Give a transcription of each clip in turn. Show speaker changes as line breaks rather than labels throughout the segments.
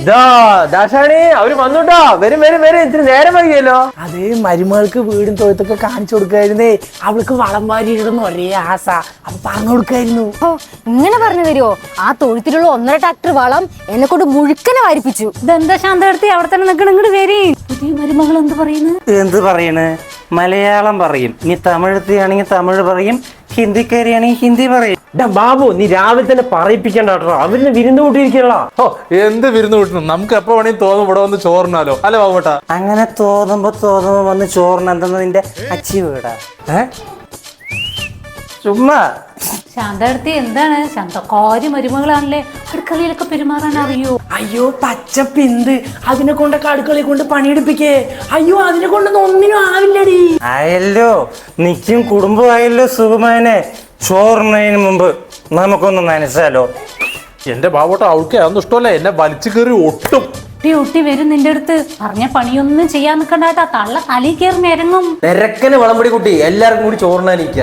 ദാശാണി അവര് വന്നുട്ടോ. വരും വരും വരും, ഇത്തിരി നേരം വൈകിയല്ലോ.
അത് മരുമകൾക്ക് വീടും തൊഴുത്തൊക്കെ കാണിച്ചു കൊടുക്കായിരുന്നേ. അവൾക്ക് വളം വാരി ഇടുന്ന ഒരേ ആസ. അപ്പൊ പറഞ്ഞു കൊടുക്കായിരുന്നു.
ഓ ഇങ്ങനെ പറഞ്ഞു തരുമോ? ആ തൊഴുത്തിലുള്ള 1.5 ട്രാക്ടർ വളം എന്നെ കൊണ്ട് മുഴുക്കനെ വാരിപ്പിച്ചു. ഇതെന്താ ശാന്തടുത്തി അവിടെ തന്നെ നിൽക്കണം, ഇങ്ങോട്ട് വരി. പുതിയ മരുമകൾ എന്ത് പറയുന്നു?
എന്ത് പറയണ്? മലയാളം പറയും, ഇനി തമിഴത്തിയാണെങ്കിൽ തമിഴ് പറയും, ഹിന്ദിക്കാരിയാണെങ്കിൽ ഹിന്ദി പറയും.
ബാബു, നീ രാവിലെ തന്നെ പറയിപ്പിക്കണ്ട കേട്ടോ. അവരിന് വിരുന്ന് കൂട്ടിയിരിക്കണ.
ഓ എന്ത് വിരുന്ന് കൂട്ടണം, നമുക്ക് എപ്പോ വേണമെങ്കിൽ തോന്നും ഇവിടെ വന്ന് ചോറിനാലോ അല്ലെ ബാബുട്ടാ?
അങ്ങനെ തോന്നുമ്പോ വന്ന് ചോറിന് എന്തെന്ന് നിന്റെ അച്ചി വീടാ? ചുമ്മാ
ശാന്തടുത്തി എന്താണ് ശാന്തക്കാരി മരുമകളാണല്ലേ, അടുക്കളയിലൊക്കെ പെരുമാറാൻ അറിയോ?
അയ്യോ പച്ചപ്പിന്ത്, അതിനെ കൊണ്ടൊക്കെ അടുക്കളയിൽ കൊണ്ട് പണിയെടുപ്പിക്കേ. അയ്യോ അതിനെ കൊണ്ടൊന്നും ഒന്നിനും ആവില്ലടി.
ആയല്ലോ, നിക്കും കുടുംബമായല്ലോ സുഖമാനെ. ചോറിനതിന് മുമ്പ് നമുക്കൊന്ന് നനച്ചാലോ?
എന്റെ ബാബുട്ട അവൾക്ക് അതൊന്നും ഇഷ്ടമല്ല, എന്നെ വലിച്ചു കയറി ഒട്ടും.
ഒട്ടി വരും നിന്റെ അടുത്ത്. പറഞ്ഞ പണിയൊന്നും ചെയ്യാൻ നിൽക്കണ്ടാട്ടാ, തള്ള തലയിൽ കയറി നിരങ്ങും.
നിരക്കന് വളംപൊടി കുട്ടി, എല്ലാവർക്കും കൂടി ചോറിനാനിരിക്കുക.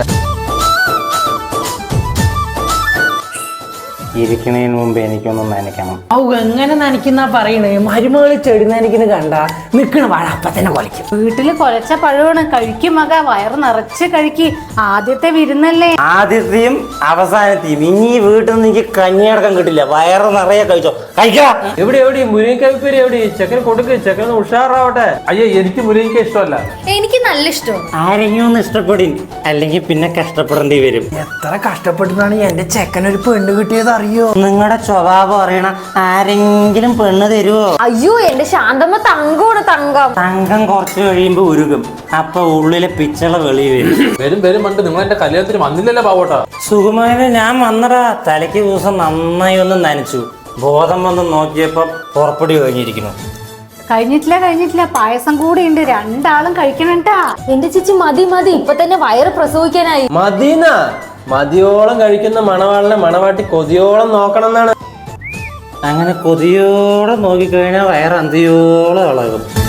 ഇരിക്കണതിന് മുമ്പ് എനിക്കൊന്ന് നനയ്ക്കണം.
ഔ എങ്ങനെ നനയ്ക്കുന്ന പറയണേ. മരുമകള് ചെടി നനയ്ക്കുന്ന കണ്ട നിക്കണ വാഴ അപ്പ തന്നെ കൊലയ്ക്കും.
വീട്ടില് കൊലച്ച പഴമാണ്, കഴിക്കും മക, വയറ് നിറച്ച് കഴിക്ക്. ആദ്യത്തെ വിരുന്നല്ലേ.
ആദ്യത്തെയും അവസാനത്തെയും. ഇനി വീട്ടിൽ നിന്ന് എനിക്ക് കഞ്ഞിയടക്കം കിട്ടില്ല. വയറ് നിറയെ കഴിച്ചോ, കഴിക്കാം.
എവിടെ എവിടെ മുരിങ്ങക്കൈപ്പേരി എവിടെ? ചെക്കൻ കൊടുക്ക്, ചെക്കൻ ഉഷാറാവട്ടെ.
അയ്യോ എനിക്ക് മുരിങ്ങ ഇഷ്ടമല്ല.
എനിക്ക് നല്ല ഇഷ്ടമാണ്.
ആരെങ്കിലും ഒന്ന് ഇഷ്ടപ്പെടും, അല്ലെങ്കിൽ പിന്നെ കഷ്ടപ്പെടേണ്ടി വരും.
എത്ര കഷ്ടപ്പെട്ടിട്ടാണ് എന്റെ ചെക്കനൊരു പെണ്ണ് കിട്ടിയത് അറിയോ?
നിങ്ങളുടെ സ്വഭാവം അറിയണ ആരെങ്കിലും പെണ്ണ് തരുവോ?
അയ്യോ എന്റെ ശാന്തമ്മ തങ്കമാണ്, തങ്കം.
തങ്കം കുറച്ച് കഴിയുമ്പോ ഉരുകും. അപ്പൊ ഉള്ളിലെ പിച്ചള വെളി വരും.
വരും വരും പണ്ട് നിങ്ങൾ എന്റെ കല്യാണത്തിന് വന്നില്ലല്ലോ ബാബുട്ടാ.
സുഖമായത് ഞാൻ വന്നടാ. തലയ്ക്ക് ദിവസം നന്നായി ഒന്ന് നനച്ചു. ബോധം വന്ന് നോക്കിയപ്പോ പുറപ്പെടി കഴിഞ്ഞിരിക്കുന്നു.
കഴിഞ്ഞിട്ടില്ല, പായസം കൂടെ ഉണ്ട്. രണ്ടാളും കഴിക്കണട്ടാ. എന്റെ ചേച്ചി മതി മതി, ഇപ്പൊ തന്നെ വയറ് പ്രസവിക്കാനായി.
മതിന്നാ? മതിയോളം കഴിക്കുന്ന മണവാളിനെ മണവാട്ടി കൊതിയോളം നോക്കണം എന്നാണ്.
അങ്ങനെ കൊതിയോടെ നോക്കിക്കഴിഞ്ഞാൽ വയറ് അന്തിയോളം ഇളകും.